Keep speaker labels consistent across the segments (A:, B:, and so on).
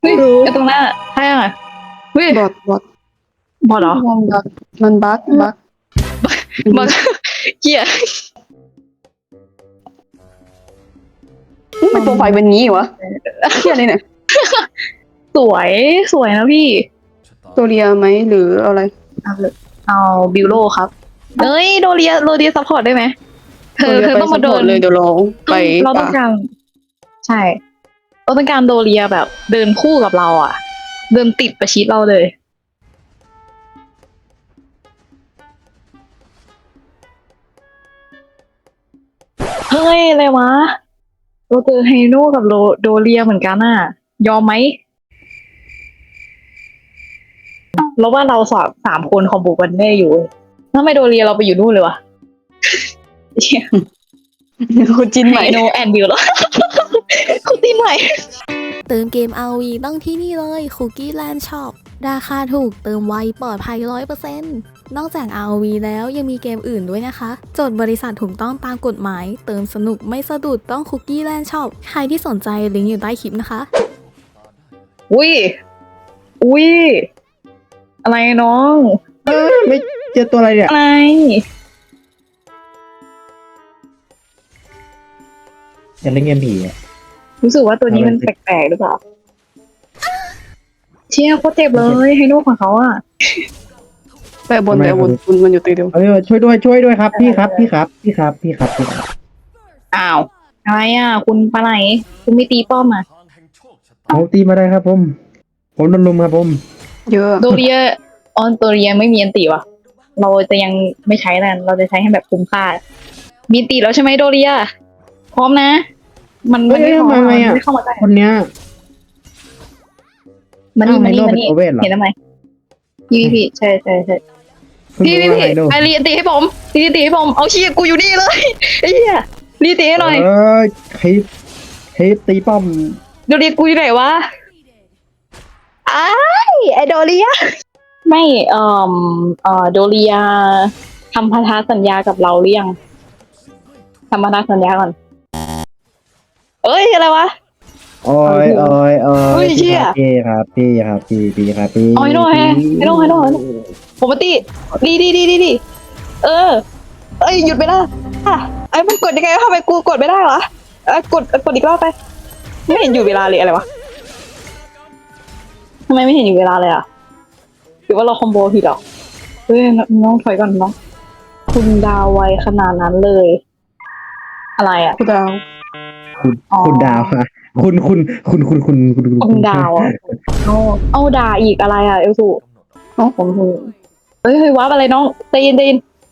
A: เฮ้ย
B: รู้
A: ไอตรงหน้าใช่อ่ะเฮ้ย
B: บอท
A: บอดเหรอ
B: มันบั๊ก
A: บอดเหี้ย
B: ไม่โปรไฟล์เป็นงี้วะเที่ยอะไรเนี่ย
A: สวยสวยนะพี่
B: ตัวเรียไหมหรืออะไร
A: เอาเลยเอาบิวโลครับเอ้ยโดเรียซัพพอร์ตได้ไหมเธ
B: ตัว
A: อ
B: เรีย
A: เธอ
B: ไป
A: ต้อง
B: ซั
A: มา
B: พ
A: เดิน
B: พอร์ตเลยเดี๋ยวเราไป
A: เราต้อ
B: ป่าง
A: การใช่เราต้องการโดเรียแบบเดินคู่กับเราอ่ะ เดินติดประชิดเราเลยเฮ้ยอะไรวะเราเจอไฮโน่กับโดเรียเหมือนกันอ่ะ ยอมไหมเราว่าเราสามคนคอมโบกันได้อยู่ทำไมโดเรียเราไปอยู่นู่นเลยวะเชี่ย
B: คุณจินใหม่
A: ไฮโนแอนบิวแล้ว คุณตีนใหม่
C: เติมเกม RV ต้องที่นี่เลย Cookie Land Shop ราคาถูกเติมไวปลอดภัย 100% นอกจาก RV แล้วยังมีเกมอื่นด้วยนะคะ จดบริษัทถูกต้องตามกฎหมาย เติมสนุกไม่สะดุดต้อง Cookie Land Shop ใครที่สนใจลิงก์อยู่ใต้คลิปนะคะ
A: อุ้ย อุ้ย อะไรน้อง
D: ไม่เจอตัวอะไรเนี่ย
A: อะไร
D: อยากเล่นเกมผีอ่ะ
A: รู้สึกว่าตัวนี้มันแปลกๆหรือเปล่า เชี่ยโคตรเจ็บเลยไฮโน่ของเขาอ่ะ
B: แต่บนคุณมันอยู่ตีเดียว
D: เออช่วยด้วยครับพี่ครับพี่ครับพี่ครับพี่ครับพี่ครับ
A: อ้าว อะไรอ่ะ คุณปลาไหลคุณไม่ตีป้อมอ่ะ
D: เอาตีมาได้ครับผมโดนลุมครับผม
B: เยอะ
A: โดเรียโดเรียไม่มีอันตีว่ะ เราจะยังไม่ใช้นั่นเราจะใช้ให้แบบคุ้มค่า มีอันตีแล้วใช่ไหมโดเรีย พร้อมนะ มันไม่พร้อม
D: ทำไมอ่ะ
A: ไม่เข้ามาได้
D: คนเนี้ย
A: มานี่
D: อ้าว
A: มานี่
D: ไฮโน่
A: มานี่
D: เป็นโอเว่นเหรอ
A: เห็นทำไมพี่ใช่ใช่ใช่
D: เพิ่ง
A: พี่
D: รู้ว่าไฮโน่
A: ไอรีตีให้ผมรีตีให้ผมเอาเชียกูอยู่นี่เลยไอ้เหี้ยรีตีให้หน่อย
D: คลิปตีป้อม
A: โดเรียกูอยู่ไหนวะอ้ายไอโดเรียไม่โดเรียทำพันธสัญญากับเราหรือยังทำพันธสัญญาก่อนเอ้ยอะไรวะ
D: โอ้ย
A: เฮ้ยเชี่ย
D: พี่ครับพี่ครับพี่ครับพี่
A: เอาให้โน่ผมมาตีดีเออเอ้ยหยุดไปแล้วอ่ะไอ้มันกดยังไงวะทำไมกูกดไม่ได้วะกดอีกรอบไปไม่เห็นอยู่เวลาเลยอะไรวะทำไมไม่เห็นอยู่เวลาเลยอ่ะหรือว่าเราคอมโบผิดเหรอเฮ้ยน้องถอยก่อนน้องคุณดาวไวขนาดนั้นเลย อะไรอ่ะ
B: คุณดาว
D: คุณดาวค่ะคุณ
A: ดาวอ่ะเอาด่าอีกอะไรอ่ะเอลสูผมเฮ้ยว้าอะไรน้องตีน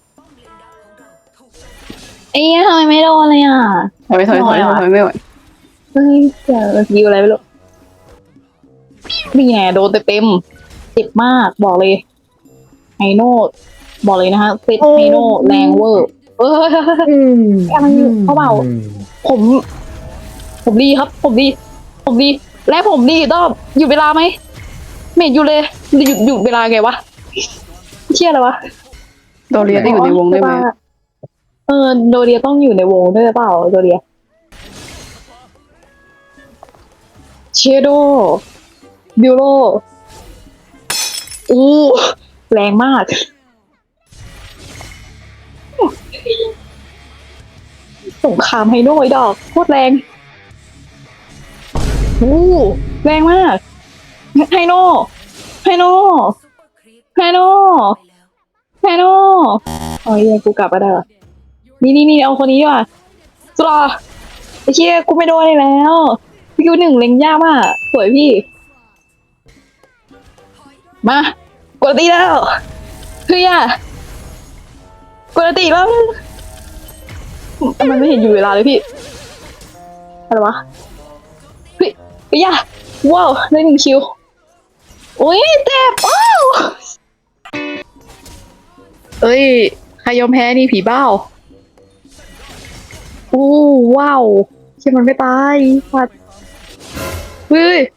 A: ไอ้เนี่ยทำไมไม่โดนเลยอ่ะ
B: ถอยไม่ไหว
A: เฮ้ยเจอยิวอะไรไม่รู้นี่ไงโดนเต็มเจ็บมากบอกเลยไฮโน่บอกเลยนะคะเซตไฮโน่แรงเวอร์อะไรอยู่เขาเบาผมดีครับผมดีและผมดีต้องหยุดเวลาไหมไม่หยุดเลยหยุดเวลาไงวะเชี่ยอะไรวะ
B: โดเรียได้อยู่ในวงได้ไหม
A: โดเรียต้องอยู่ในวงด้วยเปล่าโดเรียเชโดบิวโรอู้แรงมากสงครามไฮโน่ไอ้ดอกโคตรแรงอู้แรงมากไฮโน่โอ้ยกูกลับมาได้วะนี่เอาคนนี้ดีกว่าสุดาไอ้เชี่ยกูไม่โดนเลยแล้วพี่คิวหนึ่งเล็งยากมากสวยพี่มากดตีแล้วเฮ้ยกดตีแล้วมันไม่เห็นอยู่เวลาเลยพี่อะไรวะเฮ้ยว้าวได้1 คิวโอ้ยเจ็บอ้าวเอ้ยใครยอมแพ้นี่ผีเบ้าอู้ว้าวเชื่อมันไม่ตายฟัดเฮ้ย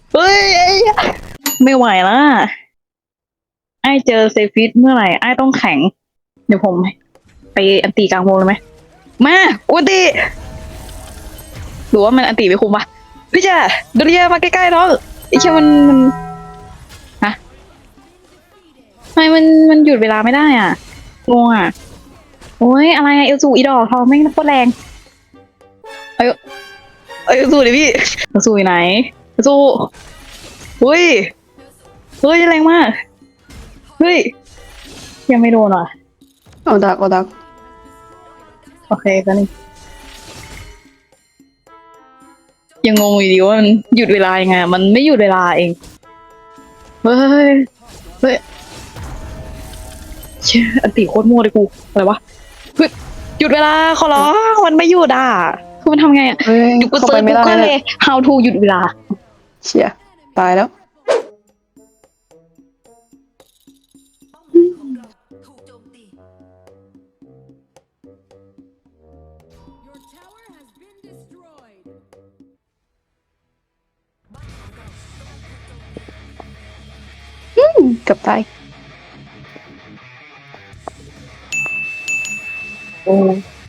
A: ไม่ไหวละไอ้เจอเซฟิตเมื่อไหร่ไอ้ต้องแข็งเดี๋ยวผมไปอันตีกลางวงเลยไหมมาอุติหรือว่ามันอันตีไปคุมปะพี่จ้าเดเรียมาใกล้ๆน้องไอ้แค่มันฮะทำไมมันหยุดเวลาไม่ได้อ่ะงงอ่ะโอ้ยอะไรอะเอลซูอีดอกทองแม่งโคตรแรงเอ้ยเอลซูดิพี่เอลซูอยู่ไหนเอลซูเฮ้ยเฮ้ยแรงมากเฮ้ยยังไม่โดนอ่ะ
B: เอาดัก
A: โอเคก็นี่ยังงงอยู่ดีว่ามันหยุดเวลายังไงมันไม่หยุดเวลาเองเฮ้ยเฮ้ยเชี่ยอันติโคตรมั่วเลยกูอะไรวะเฮ้ยหยุดเวลาขอร้องมันไม่หยุดอ่ะคือมันทำไงอ่ะ
B: เฮ้ย
A: อยู่กู
B: เข้า
A: เซิ
B: ไป
A: ร์ช
B: ไม่
A: กู
B: ได้
A: ก็เล
B: เลย ย
A: how to หยุดเวลา
B: เชี่ยตายแล้ว
E: Your tower has been destroyed.
B: เกือบตาย
A: โอ้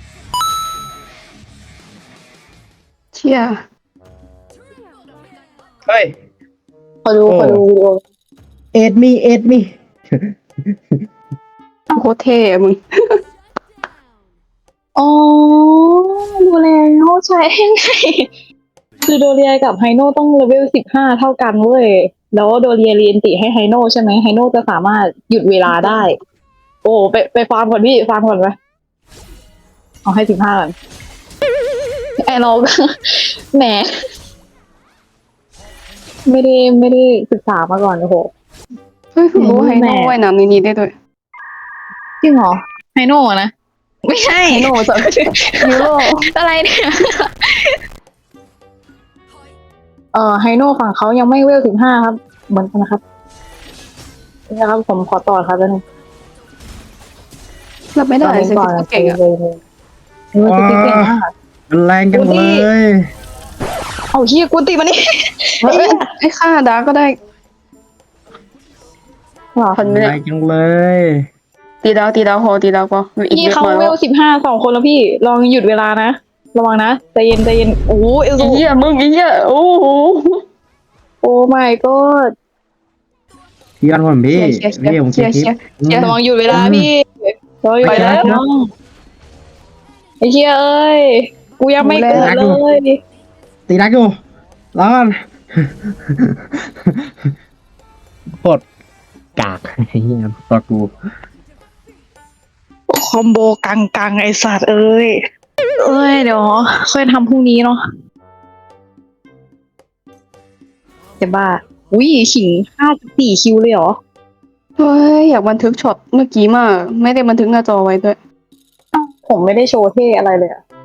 B: เชี่ย
D: เฮ้ย
A: ขอดู
D: โอ้
A: ขอดูวิดีโอ
D: เอ็ดมี
B: โคตรเท่อะมึง
A: อ๋อดูแล้วใช่ไงคือโดเรียกับไฮโน่ต้องเลเวล15 เท่ากันเว้ยแล้วโดเรียเรียนติให้ไฮโน่ใช่ไหมไฮโน่จะสามารถหยุดเวลาได้ โอ้ไปฟาร์มก่อนพี่ฟาร์มก่อนไหมเอาให้15ก่อนไอเรา แหมไม่ได้ศึกษามาก่อนโอ้โห
B: เฮ้ยคุณรู้
A: แม่
B: ไฮโน่ว่ายน้ำในนี้ได้ด้วย
A: จริงเหรอไฮโน่อะนะไม่ใช่
B: ไฮโน่จะฮีโร่
A: อะไรเนี่ยไฮโน่ฝั่งเขายังไม่เวล15ครับเหมือนกันนะครับนี่นะครับผมขอต่อครับแล้วนึง
B: รับไม่ได้
A: ต่อ
B: เซน
A: ก่อน
B: ติเก่งอะ
A: เลยเก่งมาก
D: มันแรงจังเลย
A: เอาเฮียกูตีมานี่
B: เอ้ยให้ฆ่าดาร์กก็ได้
A: เหรอ
B: พันไม่
D: แร
B: ได้
D: งจังเลย
B: ตีดาวพออีก
A: พี่
B: เยอะ
A: เขา
B: มา
A: เว
B: แล้ว
A: ล15 2 คนแล้วพี่ลองหยุดเวลานะระวังนะใจเย็นโอ้เอล
B: อี
A: ซู
B: เหี้ยมึงอีเหี้ยโอ้โห
A: โอ้ my god
D: พี่ยอดผมพี่
B: เชียร์
D: พี่ผม
B: เชียร์
D: คลิป
B: เชียร์
A: ระวังหยุดเวลาพี่ระวังหยุดเว
B: ไปแล้
A: ลาว ไอ้เฮียเอ้ยกูยังไม่เกิดเลย
D: ตีนักอยู่ร้อนปลดกากไอ้เหี้ยตัวกู
A: คอมโบกังไอสัตว์เอ้ยเดี๋ยวค่อยทำพรุ่งนี้เนาะจะบ้าอุ้ยขิง54 คิวเลยเหรอ
B: เฮ้ยอยากบันทึกช็อตเมื่อกี้มากไม่ได้บันทึกหน้าจอไว้ด้วย
A: ผมไม่ได้โชว์เท่อะไรเลยอะ